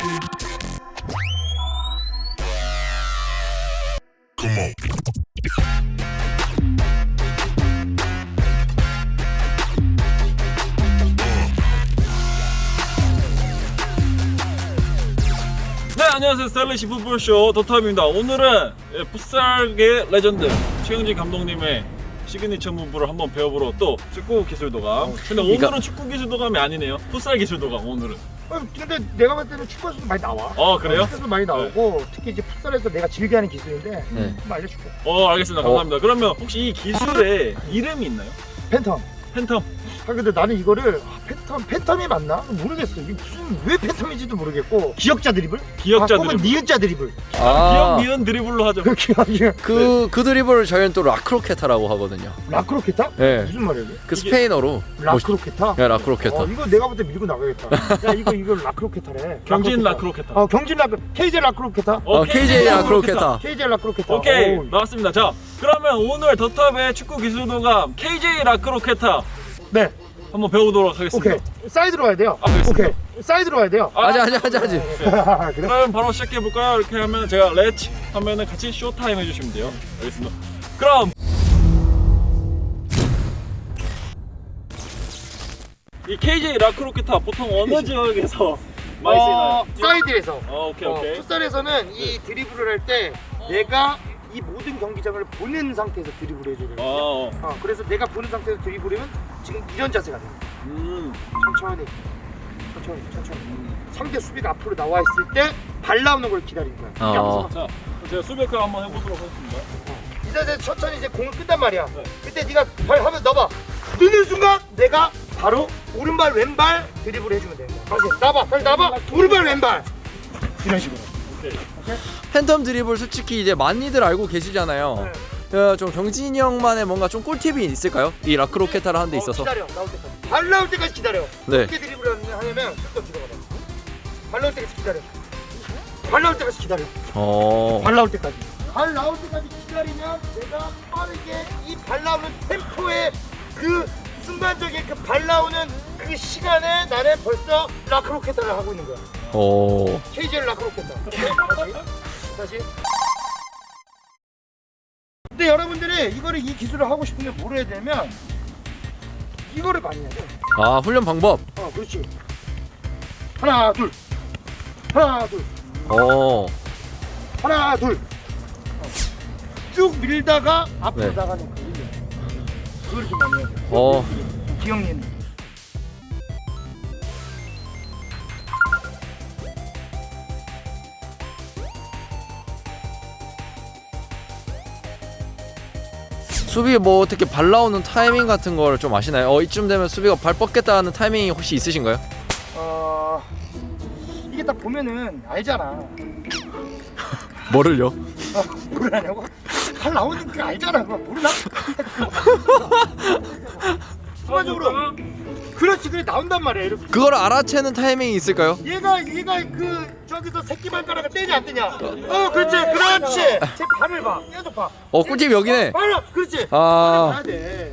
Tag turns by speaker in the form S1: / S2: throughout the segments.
S1: 네, 안녕하세요. 스타일리시 풋볼쇼 더탑입니다. 오늘은 풋살계 레전드 최영진 감독님의 시그니처 무브를 한번 배워보러 또 축구 기술도감. 근데 오늘은 축구 기술도감이 아니네요. 풋살 기술도감 오늘은.
S2: 근데 내가 봤을 때는 축구에서도 많이 나와.
S1: 그래요?
S2: 축구에서도 많이 나오고 특히 이제 풋살에서 내가 즐겨하는 기술인데 좀 알려줄게.
S1: 알겠습니다. 감사합니다. 그러면 혹시 이 기술에 이름이 있나요?
S2: 팬텀.
S1: 팬텀.
S2: 근데 나는 이거를 팬텀이 맞나? 모르겠어. 이게 무슨 왜 팬텀인지도 모르겠고. 기역자 드리블?
S1: 기역자
S2: 혹은
S1: 드리블.
S2: 니은자 드리블.
S1: 기억 니은 드리블로 하죠.
S3: 그 드리블을 저희는 또 라크로케타라고 하거든요.
S2: 라크로케타?
S3: 네.
S2: 무슨 말이야 이게?
S3: 그 스페인어로
S2: 라크로케타?
S3: 네, 라크로케타.
S2: 이거 내가 볼 때 밀고 나가겠다. 야 이거 라크로케타래.
S1: 경진 라크로케타.
S2: 경진 라크 KJ 라크로케타.
S3: KJ 라크로케타.
S2: KJ 라크로케타.
S1: 오케이, 나왔습니다. 자, 그러면 오늘 더탑의 축구 기술도감 KJ 라크로케타
S2: 네.
S1: 한번 배워보도록 하겠습니다.
S2: 오케이. 사이드로 와야 돼요.
S1: 알겠습니다.
S2: 오케이. 사이드로 와야 돼요.
S3: 아직.
S2: 그래?
S1: 그럼 바로 시작해볼까요? 이렇게 하면 제가 렛츠 하면은 같이 쇼타임 해주시면 돼요. 알겠습니다. 그럼 이 KJ 라크로케타 보통 어느 지역에서 많이 쓰이나요?
S2: 사이드에서.
S1: 오케이.
S2: 풋살에서는 이 드리블을 할 때 내가 이 모든 경기장을 보는 상태에서 드리블을 해줘야 돼요. 그래서 내가 보는 상태에서 드리블이면 지금 이런 자세가 돼요. 천천히. 상대 수비가 앞으로 나와 있을 때 발 나오는 걸 기다리는 거야. 이게 앞서.
S1: 자, 제가 수비크 한번 해보도록 하겠습니다.
S2: 이 자세 천천히 이제 공을 끈단 말이야. 그때 네가 발 하면 넣어봐. 넣는 순간 내가 바로 오른발 왼발 드리블 해주면 되는 거야. 다시 나봐. 오른발 왼발. 이런 식으로.
S1: 오케이.
S3: 팬텀 드리블 솔직히 이제 많이들 알고 계시잖아요. 좀 경진이 형만의 뭔가 좀 꿀팁이 있을까요? 이 라크로케타를 하는 데 있어서.
S2: 기다려. 나올 때까지. 발 나올 때까지 기다려.
S3: 네.
S2: 어떻게 드리블을 하냐면 또 들어가봐. 발 나올 때까지 기다려. 발 나올 때까지 기다려. 발 나올 때까지. 발 나올 때까지 기다리면 내가 빠르게 이 발 나오는 템포의 그 순간적인 그 발 나오는 그 시간에 나는 벌써 라크로케타를 하고 있는 거야. KJ 라크로케타. 다시. 근데 여러분들이 이 기술을 하고 싶으면 뭘 해야 되냐면 이거를 많이 해야 돼.
S3: 훈련 방법.
S2: 그렇지. 하나 둘. 하나 둘. 쭉 밀다가 앞으로
S3: 네.
S2: 나가는 거. 그걸 좀 많이 해야 돼. 기억님.
S3: 수비 뭐 어떻게 발 나오는 타이밍 같은 걸 좀 아시나요? 이쯤 되면 수비가 발 뻗겠다 하는 타이밍이 혹시 있으신가요?
S2: 이게 딱 보면은 알잖아.
S3: 뭐를요?
S2: 모르냐고? 발 나오는 거 알잖아. 그거 모르나? 순간적으로. 그렇지, 그래 나온단 말이야. 이렇게.
S3: 그걸 알아채는 타이밍이 있을까요?
S2: 얘가 그 저기서 새끼 발가락을 떼냐 안 떼냐? 그렇지. 제 발을 봐. 계속 봐.
S3: 꿀팁 여기네.
S2: 발을 그렇지. 봐야 돼.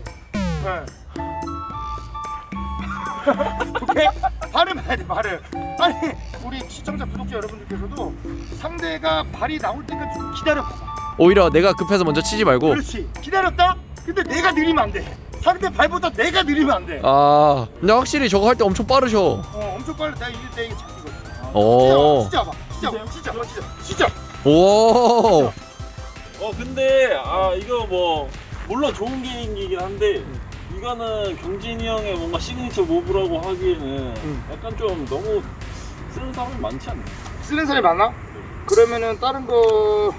S2: 오케이. 발을 봐야 돼. 발을. 아니 우리 시청자 구독자 여러분들께서도 상대가 발이 나올 때까지 좀 기다려.
S3: 오히려 내가 급해서 먼저 치지 말고.
S2: 그렇지. 기다렸다. 근데 내가 느리면 안 돼. 상대 발보다 내가 느리면 안 돼.
S3: 근데 확실히 저거 할 때 엄청 빠르셔.
S2: 엄청 빨리. 내가 이게 잡히거든. 진짜 봐. 진짜.
S3: 오.
S1: 근데 이거 뭐 물론 좋은 기능이긴 한데 이거는 경진이 형의 뭔가 시그니처 무브라고 하기에는 약간 좀 너무 쓰는 사람이 많지 않나요?
S2: 쓰는 사람이 많나? 그러면은 다른 거.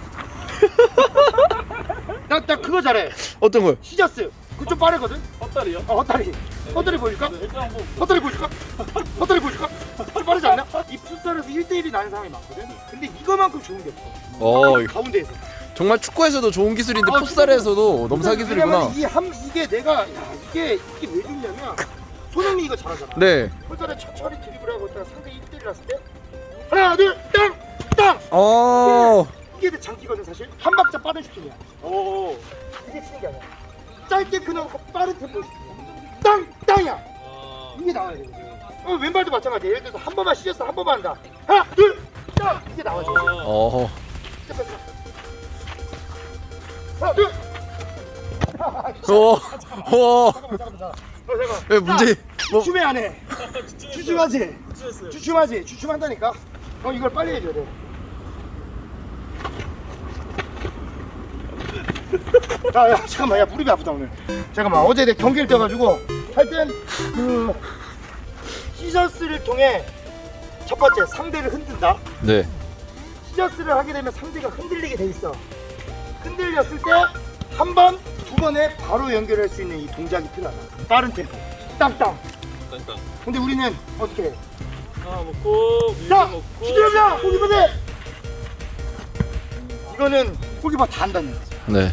S2: 나 그거 잘해.
S3: 어떤 거요?
S2: 시저스. 그거 좀 빠르거든?
S1: 헛다리요?
S2: 헛다리. 헛다리 보여줄까?
S1: 일단 한번
S2: 헛다리 보여줄까? 좀 빠르지 않나? 이 풋살에서 1대1이 나는 사람이 많거든? 근데 이거만큼 좋은 게 없어. 가운데에서.
S3: 정말 축구에서도 좋은 기술인데 풋살에서도 넘사 기술이구나.
S2: 이게 내가 이게 왜 좋냐면 손흥민이 이거 잘하잖아.
S3: 네.
S2: 풋살에 천천히 드리블하고 있다가 상대 1대1 났을 때 하나 둘 땅! 이게 장기거든 사실. 한 박자 빠른 슈팅이야. 이게 치는 게 아니야. 짧게 끊어놓고 빠른 템포 슈팅이야. 땅이야. 이게 나와야 돼. 왼발도 마찬가지야. 예를 들어서 한 번만 시켰어, 한 번만 한다. 하나 둘 자, 이제 나와줘.
S3: 어.
S2: 하나, 둘.
S3: 오. 오.
S2: 잠깐만.
S3: 왜 문제 뭐
S2: 주춤해 안 해. 주춤하지. 주춤하지. 주춤한다니까. 이걸 빨리 해줘야 돼. 야, 잠깐만. 야, 무릎이 아프다 오늘. 잠깐만. 어제 내 경기를 뛰어가지고 하여튼 그 시저스를 통해 첫 번째 상대를 흔든다.
S3: 네.
S2: 시저스를 하게 되면 상대가 흔들리게 돼 있어. 흔들렸을 때 한 번, 두 번에 바로 연결할 수 있는 이 동작이 필요하다. 빠른 템포. 땅땅.
S1: 일단
S2: 근데 우리는 어떻게 해?
S1: 하나 먹고
S2: 자,
S1: 밀고 먹고.
S2: 기대합니다. 골키퍼들. 이거는 골키퍼 다 한다는 거지.
S3: 네.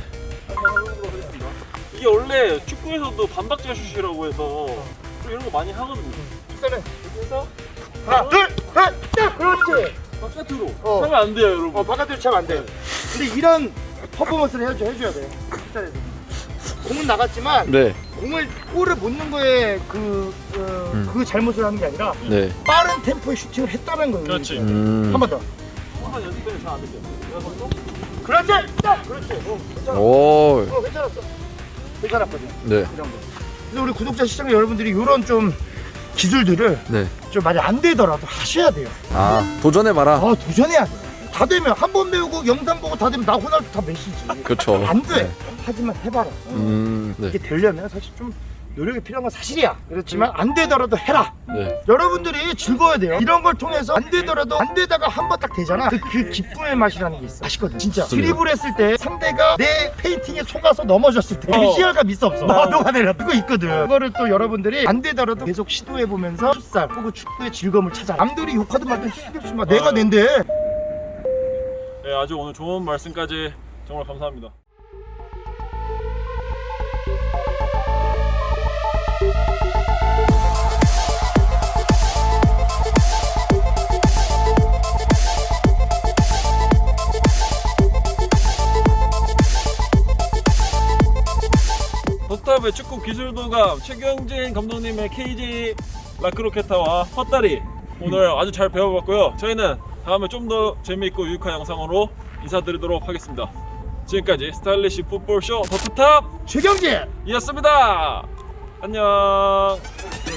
S1: 이게 원래 축구에서도 반박자 슛이라고 해서 좀 이런 거 많이 하거든요.
S2: 일단은
S1: 이렇게 해서
S2: 하나, 둘, 셋, 딱 그렇지.
S1: 바깥으로
S2: 어.
S1: 하면 안 돼요, 여러분.
S2: 바깥으로 차면 안 돼. 근데 이런 퍼포먼스를 해줘야 돼. 실전에서. 공은 나갔지만
S3: 네.
S2: 공을 골을 못 넣는 거에 그 잘못을 하는 게 아니라
S3: 네.
S2: 빠른 템포의 슈팅을 했다는 거예요.
S1: 그렇지.
S2: 한 번 더.
S1: 한번 연습되면 잘 안 돼요. 그래서
S2: 그렇지. 딱 그렇지. 괜찮아.
S3: 오.
S2: 괜찮았어. 괜찮았거든.
S3: 네.
S2: 이 정도. 그래서 우리 구독자 시청자 여러분들이 이런 좀 기술들을
S3: 네.
S2: 좀 많이 안 되더라도 하셔야 돼요.
S3: 아, 도전해 봐라.
S2: 도전해야 돼. 다 되면 한 번 배우고 영상 보고 다 되면 나 호날두 다 메시지.
S3: 그렇죠.
S2: 안 돼.
S3: 네.
S2: 하지만 해봐라.
S3: 네.
S2: 이게 되려면 사실 좀 노력이 필요한 건 사실이야. 그렇지만 안 되더라도 해라.
S3: 네.
S2: 여러분들이 즐거워야 돼요. 이런 걸 통해서 안 되더라도 안 되다가 한 번 딱 되잖아. 그 기쁨의 맛이라는 게 있어. 맛있거든. 진짜. 드리블 했을 때 상대가 내 페인팅에 속아서 넘어졌을 때 희열감 있어 없어? 녹아내려. 그거 있거든. 그거를 또 여러분들이 안 되더라도 계속 시도해 보면서 풋살 혹은 축구의 즐거움을 찾아. 남들이 욕하든 말든 신경 쓰지 마. 내가 낸데.
S1: 네, 아주 오늘 좋은 말씀까지 정말 감사합니다. 더탑의 축구 기술도감 최경진 감독님의 KJ 라크로케타와 헛다리 오늘 아주 잘 배워봤고요. 저희는 다음에 좀 더 재미있고 유익한 영상으로 인사드리도록 하겠습니다. 지금까지 스타일리시 풋볼쇼 더탑
S2: 최경진.
S1: 이었습니다. 안녕.